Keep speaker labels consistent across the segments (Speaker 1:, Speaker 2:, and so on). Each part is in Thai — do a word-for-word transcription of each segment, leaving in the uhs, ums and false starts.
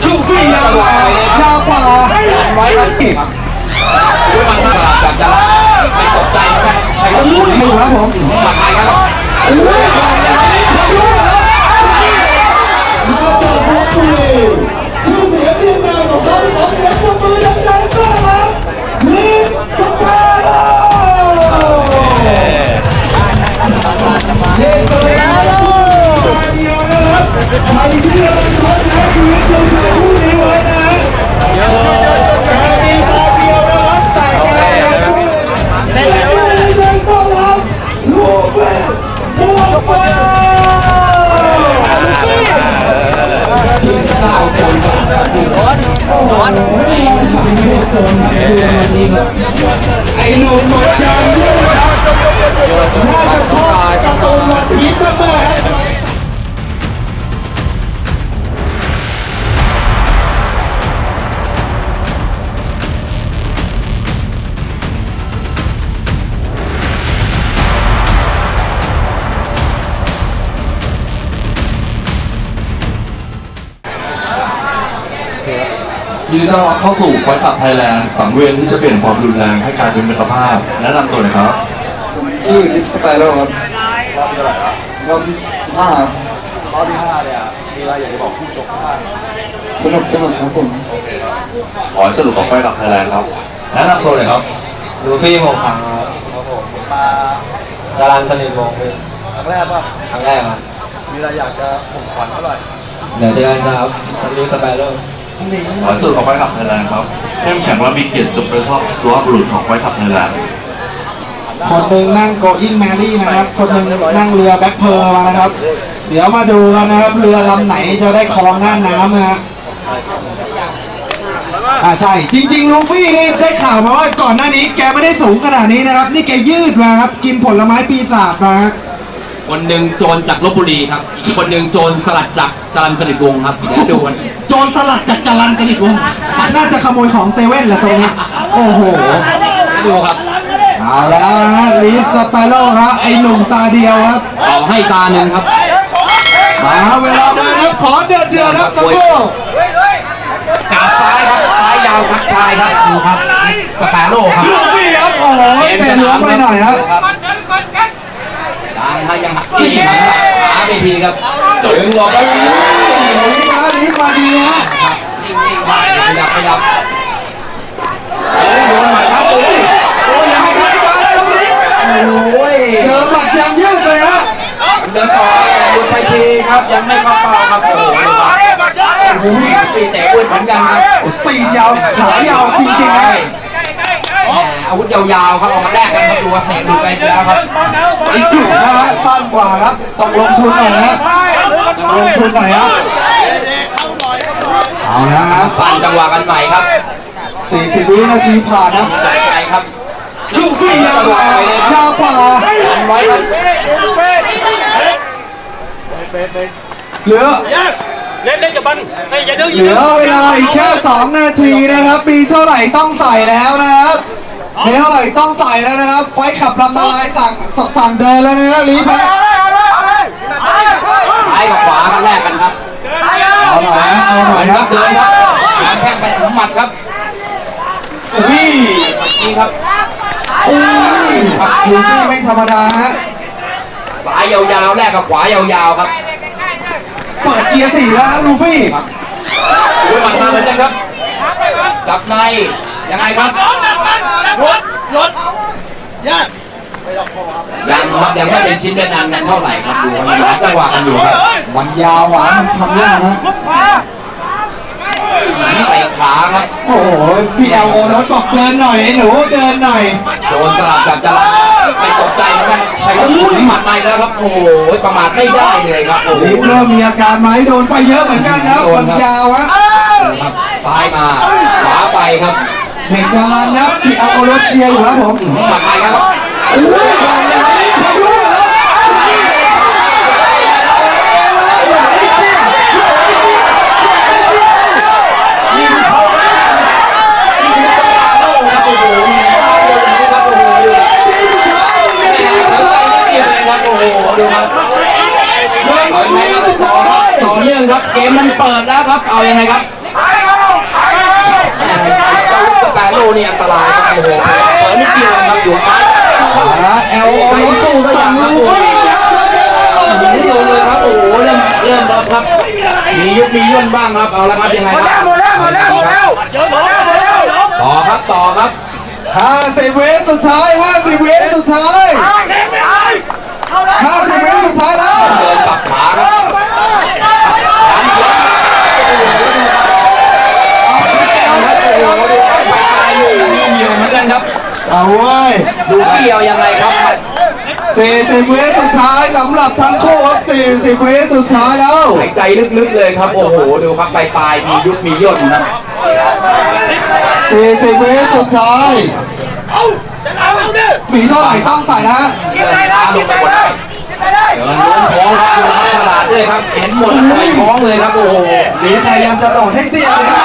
Speaker 1: ลูกฟี่ยาวกว่ายาวกว่า
Speaker 2: ไว้ครับด้วยมันสลับจากจะไม่ตกใจนะครับใครก็รู้
Speaker 1: ไม่อยู่ครับผม
Speaker 2: หมัดไปครับ
Speaker 1: มาจากเพชรบุรีชื่อเสียงเรียงนามของเขาขอเสียงปรบมือดังๆต้อนรับลิฟสเปโร่เด็กเลยนะเดียวนะครับใครที่กำลังท้อแท้ชีวิตดูชายผู้นี้ไว้นะแกมีตาเดียวนะครับแต่แกยังได้เลยต้อนรับลูกเป็นบัวฟ้าไอ้หนุ่มหมดยางด้วยครับน่าจะชอบการ์ตูนวันพีชมากๆครับ
Speaker 3: ยินดีต้อนรับเข้าสู่ไฟขับไทยแลนด์สังเวียนที่จะเปลี่ยนความรุนแรงให้กลายเป็นมิตรภาพแนะนำตัวหน่อยครับ
Speaker 1: ชื่อลิฟสเปโร่ครับรอบที่ห้าร
Speaker 3: อบที่ห้าเนี่ยมีอะไรอยากจะบอกผู้ชมบ้าง
Speaker 1: สนุกสนุกครับผม
Speaker 3: ขอให้สรุปของไฟขับไทยแลนด์ครับแนะนำตัวหน่อยครับ
Speaker 4: ลูฟี่หมวกขาวครับผมมาจารันสนิทวงศ์เป็น
Speaker 3: ครั้งแรกป่ะ
Speaker 4: ครั้งแรกครับ
Speaker 3: มีอะไรอยากจะผมขวัญเท่าไหร่
Speaker 4: เดี๋ยวเจอกันครับสลิปสไปเดอร์
Speaker 3: ขอให้สรุปของไฟขับไทยแลนด์ครับเข้มแข็งและมีเกียรติจงเป็นสุภาพบุรุษของไฟขับไทยแลนด์
Speaker 1: คนหนึ่งนั่งโกอิ้งแมรี่นะครับคนหนึ่งนั่งเรือแบ็คเพอร์มานะครับ เดี๋ยวมาดูกันนะครับเรือลำไหนจะได้ครองหน้าน้ำนะฮะอ่าใช่จริงๆลูฟี่นี่ได้ข่าวมาว่าก่อนหน้านี้แกไม่ได้สูงขนาดนี้นะครับนี่แกยืดมาครับกินผลไม้ปีศาจมาฮะ
Speaker 2: คนหนึ่งโจรจากลบบุรีครับอีกคนหนึ่งโจรสลัดจากจรัญสนิทวงศ์ครับเดี๋ยวดูกัน
Speaker 1: โจรสลัดจากจรัญสนิทวงศ์น่าจะขโมยของเซเว่นแหละตรงนี้โอ้โห
Speaker 2: เดี๋ยวดูครับ
Speaker 1: เอาแล้วนะฮะลีฟสเปโร่ครับไอหนุ่มตาเดียวครับ
Speaker 2: ต่อให้ตาหนึ่งครับ
Speaker 1: มาเวลาเดินนะขอเดือดเดือดครับทั้งคู่
Speaker 2: กาดซ้ายครับซ้ายยาวครับปลายครับดูครับสเปโร่ครับ
Speaker 1: ลูฟี่ครับโอ้โหเตะหลวมไปหน่อยครับ
Speaker 2: ดังถ้ายังหักที่หักขาไปทีครับถึงบอกแล้ว
Speaker 1: ลีมาลีมาดีฮะ
Speaker 2: ขยับขยับโอ้ยโดนหมัดครับโอ้ยโอ้ยยัง
Speaker 1: ให้
Speaker 2: ให้
Speaker 1: ใครมาแล้วครับลี
Speaker 2: โอ้ย
Speaker 1: เจอหมัดยางยืดเลยฮะ
Speaker 2: เดินต่อหลุดไปทีครับยังไม่เข้าเป้าครับโอ้โหโอ้โหตีแต่อ้วนเหมือนกันครับ
Speaker 1: ตีนยาวขายาวจริงๆนะ
Speaker 2: แหมอาวุธยาวๆครับเอามาแลกกันครับดูว่าเตะหลุดไปแล้วครับ
Speaker 1: อีกกลุ่มนะฮะสั้นกว่าครับต้องลงทุนหน่อยฮะต้องลงทุนหน่อยฮะเอาละฮะ
Speaker 2: สั่นจังหวะกันใหม่ครับ
Speaker 1: สี่สิบวินาทีผ่านครับ
Speaker 2: ใจใจครับ
Speaker 1: ลูกฟี่ยาวกว่ายาวกว่า
Speaker 2: อันไว้ครับ
Speaker 1: เหลือ
Speaker 5: เล่นเล่นกับมันไอ้อย่าดื้อ
Speaker 1: เหลือเวลาอีกแค่สองนาทีนะครับ มีเท่าไหร่ต้องใส่แล้วนะครับมีเท่าไหร่ต้องใส่แล้วนะครับ ไฟขับลำละลายสั่งสั่งเดินแล้วนะลีฟฮะ
Speaker 2: ซ้ายกับขวากันแลกกันครับ
Speaker 1: เอาหน่อยฮะเอาหน่อยฮะ
Speaker 2: เดินครับงานแข้งไปถึงหมัดครับอุ้ยนี่ครับ
Speaker 1: อุ้ยลูฟี่ไม่ธรรมดาฮะ
Speaker 2: ซ้ายยาวๆแลกกับขวายาวๆครับ
Speaker 1: เปิดเกียร์สี่แล้วฮะลูฟี่
Speaker 2: อุ้ยหมัดมาเหมือนกันครับ จับในยังไงครับรถรถยังครับยังไม่เป็นชิ้นเป็นอันกันเท่าไหร่ครับดูมันหาจังหวะกันอยู่ครับ
Speaker 1: มันยาวหวานมันทำยากฮะ
Speaker 2: เตะขาครับ
Speaker 1: โอ้โหพี่เอลโอรถบอกเดินหน่อยไอ้หนูเดินหน่อย
Speaker 2: โจรสลับกับจรัญไม่ตกใจเหมือนกันใครก็รู้หมัดในแล้วครับโอ้โหประมาทไม่ได้เลยครับโอ้โห
Speaker 1: ลีฟเริ่มมีอาการไหมโดนไปเยอะเหมือนกันนะมันยาวฮะ
Speaker 2: ครับซ้ายมาขวาไปครับ
Speaker 1: เด็กจรันนะพี่เอลโอรถเชียร์อยู่ครับผม
Speaker 2: หมัดในครับ
Speaker 1: โอ้ยพายุมาแล้วยิงเข้า
Speaker 2: นี่คือสปาโร่ครับโอ้โหครับโอ้โห
Speaker 1: ทีสุดท้ายทีสุดท้าย
Speaker 2: เกี่ยวเลยครับโอ้โหดูครับ
Speaker 1: เดินมาทีสุดท้าย
Speaker 2: ต่อเนื่องครับเกมมันเปิดแล้วครับเอายังไงครับเจ้าลูกสแปโร่นี่อันตรายครับโอ้โหเปิดนิดเดียวครับอยู่ท้าย
Speaker 1: แอล
Speaker 2: ใจสู้ก็ยังครับโอ้โหยิงโดนเลยครับโอ้โหเริ่มเริ่มรับครับ มียุบมีย่นบ้างครับเอาละครับยังไงครับหมดแล้วหมดแล้วหมดแล้วต่อครับต่อครับ
Speaker 1: ห้าสิบวิสุดท้ายห้าสิบวิสุดท้ายห้าสิบวิสุดท้ายแล้ว
Speaker 2: เดินสับขาครับดันหัวไปไปอยู่นี่เหนียวเหมือนกันครับ
Speaker 1: เอาเว้ย
Speaker 2: ดูเขี้ยวยังไงครับ
Speaker 1: สี่สิบวิสุดท้ายสำหรับทั้งคู่ครับสี่สิบวิสุดท้ายแล้ว
Speaker 2: หายใจลึกๆเลยครับโอ้โหดูครับปลายปลายมียุบมีย่นนะ
Speaker 1: สี่สิบวิสุดท้ายมีเท่าไหร่ต้องใส่นะ
Speaker 2: เดินช้าลงไปหมดแล้วเดินล้วงท้องครับดูครับฉลาดด้วยครับเห็นหมดแล้วต่อยท้องเลยครับโอ้โห
Speaker 1: หลีพยายามจะโดดให้เตี้ยนะครับ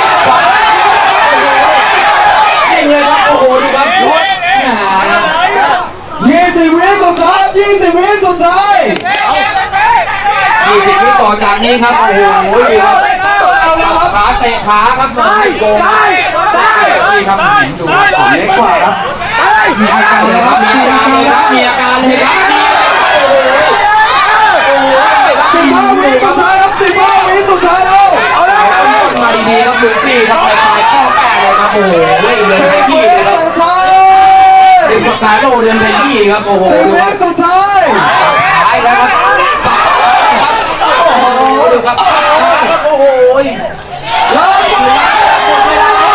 Speaker 2: นี่เลยครับโอ้โหดูครับ
Speaker 1: ยี่สิบวิสุดท้ายยี่สิบวิสุดท้าย
Speaker 2: ยี่สิบวิต่อจากนี้ครับโอ้โหดูครับ
Speaker 1: ต้องเอาแล้วครับ
Speaker 2: ขาเตะขาครับมันโกงครับนี่ครับดูครับ
Speaker 1: เล็กกว่าครับมีอาการเลยครับ
Speaker 2: มี
Speaker 1: มี
Speaker 2: อา
Speaker 1: อา
Speaker 2: การ
Speaker 1: การ
Speaker 2: เลย
Speaker 1: แล้
Speaker 2: คว รับมีอาการเลยครับโอ้โห
Speaker 1: สิบห้าวิสุดท้ายครับสิบห้าวิสุดท้ายแล้ว
Speaker 2: ต้นต้นมาดีๆครับลูฟี่ครับปลายปลายข้อแป้เลยครับโอ้โหเฮ้ยเดิน
Speaker 1: สิ
Speaker 2: ไป
Speaker 1: บ
Speaker 2: ยี่
Speaker 1: วิ
Speaker 2: เลยครับ
Speaker 1: สุดท้าย
Speaker 2: เดินสปาโร่เดินไปยี่ครับโอ้โห
Speaker 1: สิบ
Speaker 2: ดู
Speaker 1: วิ
Speaker 2: ครับ
Speaker 1: สุดท้าย
Speaker 2: สับท้ายแล้วครับสับท้ายแล้วครับโอ้โหดูครับสับท้ายครับโอ้โห
Speaker 1: แล้ว
Speaker 2: หมดเวลาครับ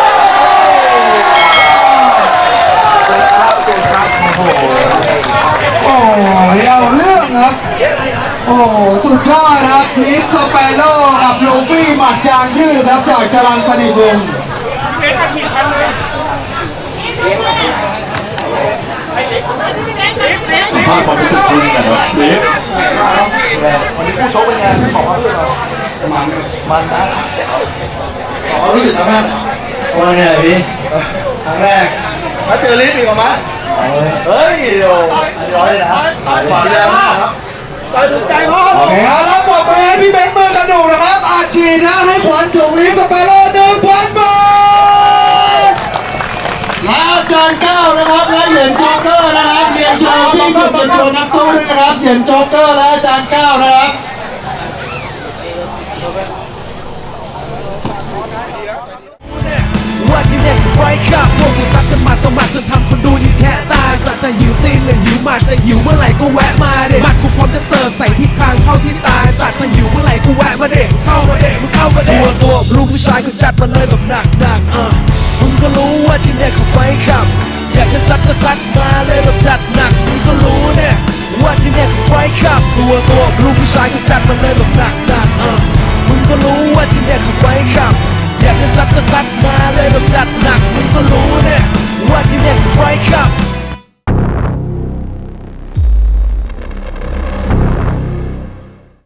Speaker 2: ครับโอ้โห
Speaker 1: โอ้ยเอาเรื่องครับ โอ้สุดยอดครับนิฟสเปโร่กับลูฟี่หมัดยางยืดครับจากจรัญสนิทวงศ์
Speaker 3: สัมภาษณ์ความรู้สึกคุณหน่อยครับลิฟ
Speaker 1: รู้สึกยังไงวันไหนพี่ครั้งแรกถ้าเจอลิฟต์อีกมั้ยเฮ้ยโอ้ร้อยนะฝากแล้วนะครับโอเคครับแล้วปรบมือให้พี่เบนซ์มือกระดูกนะครับอาชีพนะให้ขวัญถุงลิฟต์สเปโร่หนึ่งพันบาทและอาจารย์เก้านะครับและเหรียญโจ๊กเกอร์นะครับเรียนเชิญพี่จุดเป็นตัวนักสู้ด้วยนะครับเหรียญโจ๊กเกอร์และอาจารย์เก้านะครับ
Speaker 6: ว่าที่เนี่ยคือไฟขับพวกกูซัดกันหมัดต่อหมัดจนทำคนดูยิ้มแค่ตายสัตว์จะหิวตีนหรือหิวหมัดจะหิวเมื่อไหร่ก็แวะมาเด็หมัดกูพร้อมจะเสิร์ฟใส่ที่คางเข้าที่ตายสัตว์ถ้าหิวเมื่อไหร่กูแวะมาเด็เข้ามาเด็มึงเข้ามาเด็ตัวตัวลูกผู้ชายก็จัดมาเลยแบบหนักหนักๆอ่ะมึงก็รู้ว่าที่เนี่ยคือไฟขับอยากจะซัดก็ซัดมาเลยแบบจัดหนักมึงก็รู้เนี่ยว่าที่เนี่ยคือไฟขับตัวตัวลูกผู้ชายก็จัดมาเลยแบบหนักหนักๆอ่ะมึงก็รู้ว่าที่เนี่ยคือไฟขับอยากจะซัดก็ซัดมาเลยแบบจัดหนักมึงก็รู้